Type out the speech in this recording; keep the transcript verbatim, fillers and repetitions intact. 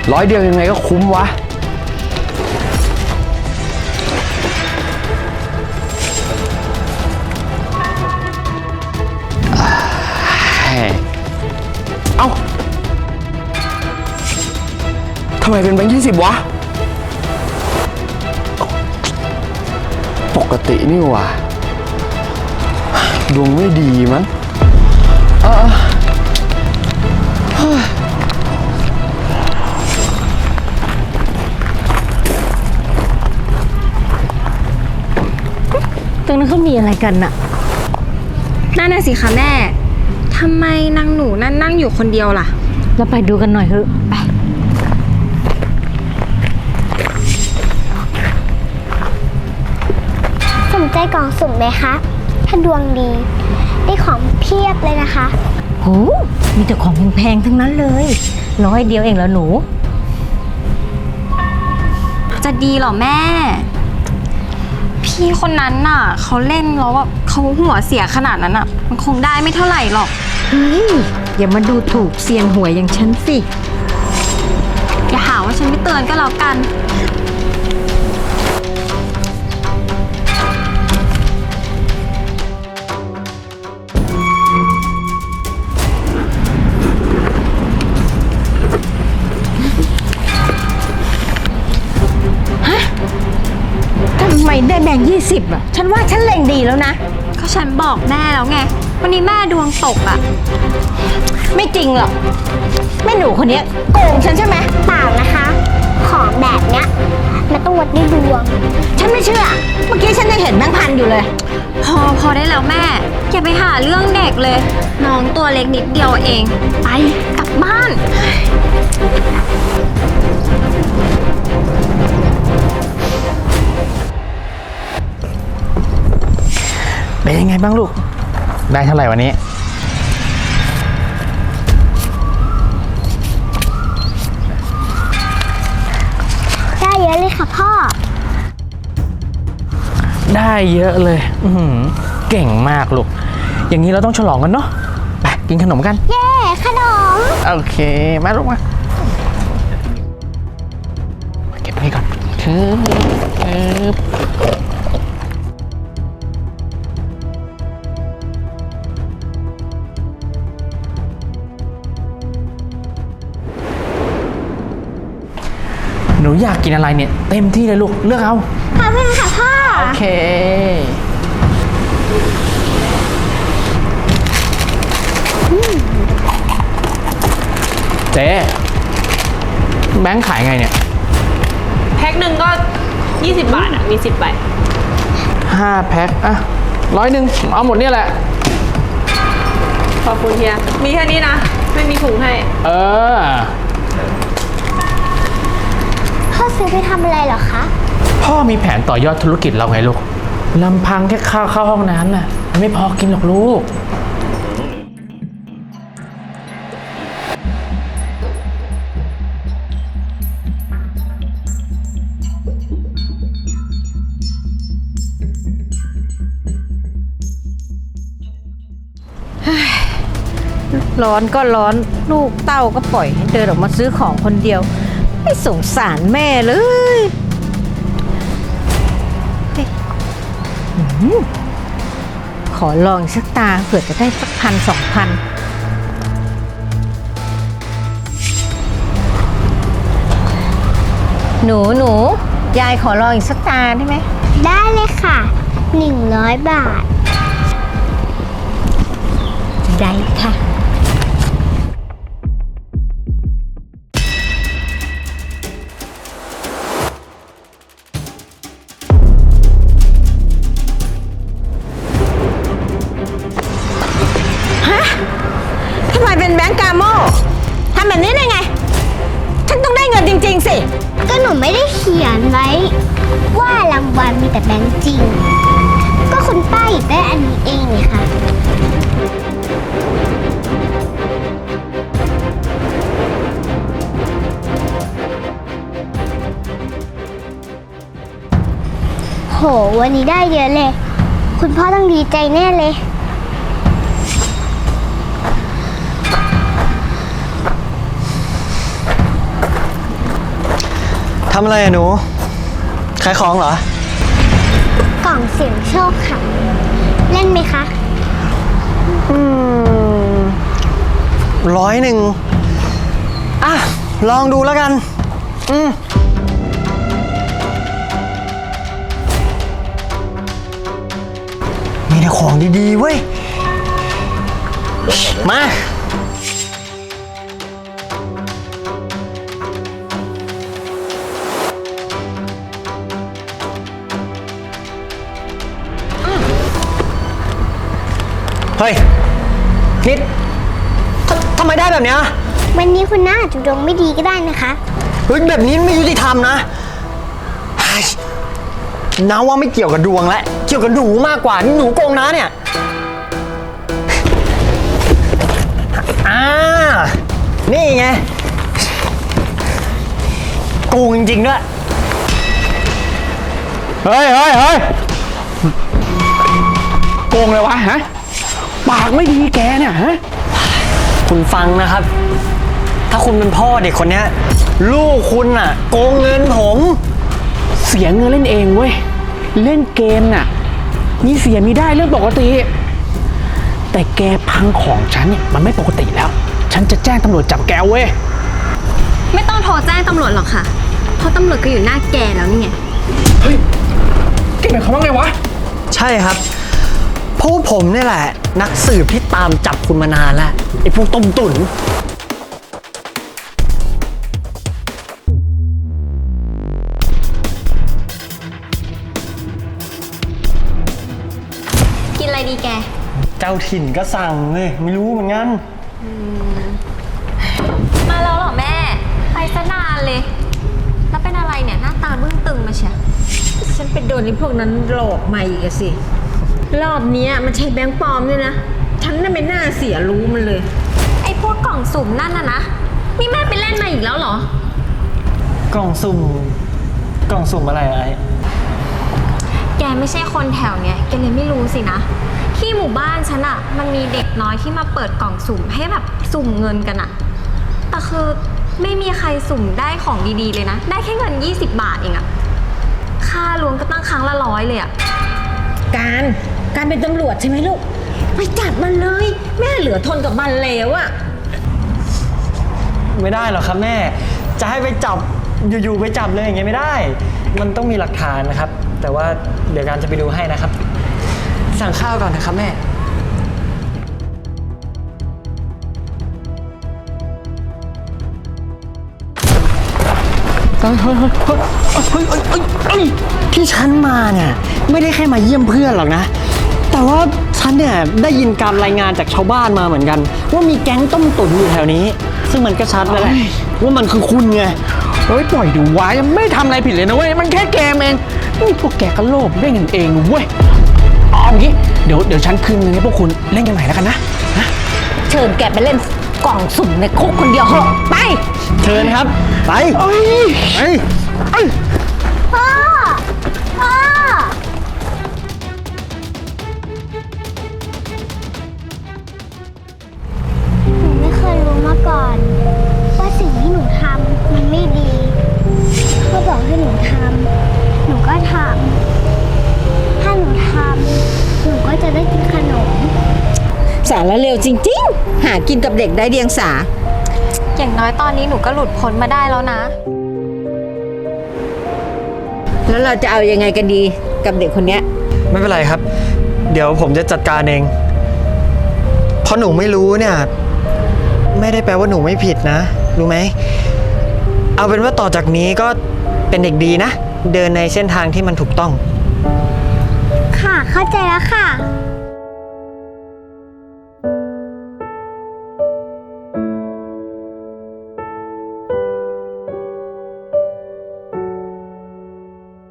ร้อยเดียวยังไงก็คุ้มวะเอ้าทำไมเป็นแบงค์ยี่สิบวะปกตินี่หว่าดวงไม่ดีมั้งเออตรงนั้นเขามีอะไรกันน่ะนั่นน่ะสิคะแม่ทำไมนางหนูนั่นนั่งอยู่คนเดียวล่ะเราไปดูกันหน่อยเถอะไปสนใจกล่องสุ่มไหมคะถ้าดวงดีได้ของเพียบเลยนะคะโหมีแต่ของแพงๆทั้งนั้นเลยร้อยเดียวเองแล้วหนูจะดีเหรอแม่พี่คนนั้นน่ะเขาเล่นแล้วแบบเขาหัวเสียขนาดนั้นอ่ะมันคงได้ไม่เท่าไหร่หรอกเฮ้ยอย่ามาดูถูกเซียนหวยอย่างฉันสิอย่าหาว่าฉันไม่เตือนก็แล้วกันทำไมได้แบ่งยี่สิบอ่ะฉันว่าฉันเล็งดีแล้วนะก็ฉันบอกแม่แล้วไงวันนี้แม่ดวงตกอ่ะไม่จริงหรอกแม่หนูคนนี้โกงฉันใช่ไหมเปล่านะคะของแบบเนี้ยมันต้องวัดด้วยดวงฉันไม่เชื่อเมื่อกี้ฉันยังเห็นแบงค์พันอยู่เลยพอพอได้แล้วแม่อย่าไปหาเรื่องเด็กเลยน้องตัวเล็กนิดเดียวเองไปกลับบ้านเป็นยังไงบ้างลูกได้เท่าไหร่วันนี้ได้เยอะเลยค่ะพ่อได้เยอะเลยอือเก่งมากลูกอย่างนี้เราต้องฉลองกันเนาะไปกินขนมกันเย้ขนมโอเคมาลูกมาเก็บไว้ก่อนคือคือหนูอยากกินอะไรเนี่ยเต็มที่เลยลูกเลือกเอาขอบคุณค่ะพ่อโอเคเจ๊แบงค์ขายไงเนี่ยแพ็คหนึ่งก็ยี่สิบบาทอ่ะมีสิบใบห้าแพ็คอะร้อยหนึ่งเอาหมดเนี่ยแหละขอบคุณเฮียมีแค่นี้นะไม่มีถุงให้เออพ่อซื้อไปทำอะไรเหรอคะพ่อมีแผนต่อยอดธุรกิจเราไงลูกลำพังแค่ข้าวเข้าห้องน้ำน่ะไม่พอกินหรอกลูกร้อนก็ร้อนลูกเต้าก็ปล่อยให้เดินออกมาซื้อของคนเดียวไม่สงสารแม่เลยขอลองสักตาเผื่อจะได้สักพันสองพันหนูหนูยายขอลองอีกสักตาได้ไหมได้เลยค่ะหนึ่งร้อยบาทได้ค่ะทำไมเป็นแบงก์กาโม่ทำแบบนี้ได้ไงฉันต้องได้เงินจริงๆสิก็หนูไม่ได้เขียนไว้ว่ารางวัลมีแต่แบงก์จริงก็คุณป้าหยิบได้อันนี้เองนี่ค่ะโหวันนี้ได้เยอะเลยคุณพ่อต้องดีใจแน่เลยทำอะไรอะหนู ขายของเหรอกล่องเสียงโชคค่ะ เล่นไหมคะอืมร้อยหนึ่งอ่ะ ลองดูแล้วกัน อืมมีแต่ของดีๆเว้ย มา เฮ้ย นิดททำไมได้แบบเนี้ยวันนี้คุณน้าอาจจะดวงไม่ดีก็ได้นะคะเฮ้ย แบบนี้ไม่ยุติธรรมนะเฮ้ยน้าว่าไม่เกี่ยวกับดวงแล้ว เกี่ยวกับหนูมากกว่า นี่หนูโกงน้าเนี่ย อ่า นี่ไง โกงจริงๆด้วยเฮ้ยเฮ้ยเฮ้ยโกงเลยวะฮะ ปากไม่ดีแกเนี่ยฮะคุณฟังนะครับ ถ้าคุณเป็นพ่อเด็กคนเนี้ย ลูกคุณน่ะ โกงเงินผมเสียเงินเล่นเองเว้ย เล่นเกมน่ะ มีเสียมีได้เรื่องปกติ แต่แกพังของฉันเนี่ยมันไม่ปกติแล้ว ฉันจะแจ้งตำรวจจับแกเว้ยไม่ต้องโทรแจ้งตำรวจหรอกค่ะ เพราะตำรวจก็อยู่หน้าแกแล้วนี่ไงเฮ้ยแกหมายความว่าไงวะใช่ครับเพราะว่าผมนี่แหละ นักสืบที่ตามจับคุณมานานแล้ว ไอ้พวกต้มตุ๋นกินอะไรดีแกเจ้าถิ่นก็สั่งเลยไม่รู้เหมือนกันมาแล้วเหรอแม่ ไปซะนานเลย แล้วเป็นอะไรเนี่ยหน้าตาบึ้งตึงมาเชียฉันไปโดนไอ้พวกนั้นหลอกมาอีกอะสิ รอบเนี้ยมันใช่แบงค์ปลอมด้วยนะ ฉันน่ะไม่น่าเสียรู้มันเลยไอ้พวกกล่องสุ่มนั่นน่ะนะ นี่แม่ไปเล่นมาอีกแล้วเหรอกล่องสุ่ม กล่องสุ่มอะไรอะไอ้แกไม่ใช่คนแถวเนี้ยแกเลยไม่รู้สินะ ที่หมู่บ้านฉันอะมันมีเด็กน้อยที่มาเปิดกล่องสุ่มให้แบบสุ่มเงินกันอะแต่คือไม่มีใครสุ่มได้ของดีๆเลยนะ ได้แค่เงินยี่สิบบาทเองอะค่ารวมก็ตั้งครั้งละร้อยเลยอะการ การเป็นตำรวจใช่ไหมลูก ไปจับมันเลย แม่เหลือทนกับมันแล้วอะไม่ได้หรอกครับแม่ จะให้ไปจับอยู่ๆไปจับเลยอย่างเงี้ยไม่ได้ มันต้องมีหลักฐานนะครับ แต่ว่าเดี๋ยวการจะไปดูให้นะครับ สั่งข้าวก่อนนะครับแม่เฮ้ยเฮ้ยเฮ้ยเฮ้ยเฮ้ยเฮ้ยเฮ้ยเฮ้ยที่ฉันมาเนี่ยไม่ได้แค่มาเยี่ยมเพื่อนหรอกนะ แต่ว่าฉันเนี่ยได้ยินการรายงานจากชาวบ้านมาเหมือนกัน ว่ามีแก๊งต้มตุ๋นอยู่แถวนี้ ซึ่งมันก็ชัดแล้วแหละว่ามันคือคุณไงเฮ้ยปล่อยดูวะยังไม่ทำอะไรผิดเลยนะเว้ย มันแค่เกมเองนี่พวกแกก็โลภได้เงินเองเว้ยเอางี้เดี๋ยวเดี๋ยวฉันคืนเงินให้พวกคุณเล่นกันใหม่แล้วกันนะนะเชิญแกไปเล่นกล่องสุ่มในคุกคนเดียวเหอะไปเชิญครับ ไปเอ้ยไปเอ้ยพ่อ พ่อ หนูไม่เคยรู้มาก่อน ว่าสิ่งที่หนูทำมันไม่ดีพ่อบอกให้หนูทำหนูก็ทำถ้าหนูทำหนูก็จะได้กินขนมสารเร็วจริงๆ หากินกับเด็กได้เดียงสาอย่างน้อยตอนนี้หนูก็หลุดพ้นมาได้แล้วนะแล้วเราจะเอายังไงกันดีกับเด็กคนเนี้ยไม่เป็นไรครับ เดี๋ยวผมจะจัดการเอง เพราะหนูไม่รู้เนี่ย ไม่ได้แปลว่าหนูไม่ผิดนะ รู้ไหม เอาเป็นว่าต่อจากนี้ก็เป็นเด็กดีนะ เดินในเส้นทางที่มันถูกต้องค่ะ เข้าใจแล้วค่ะ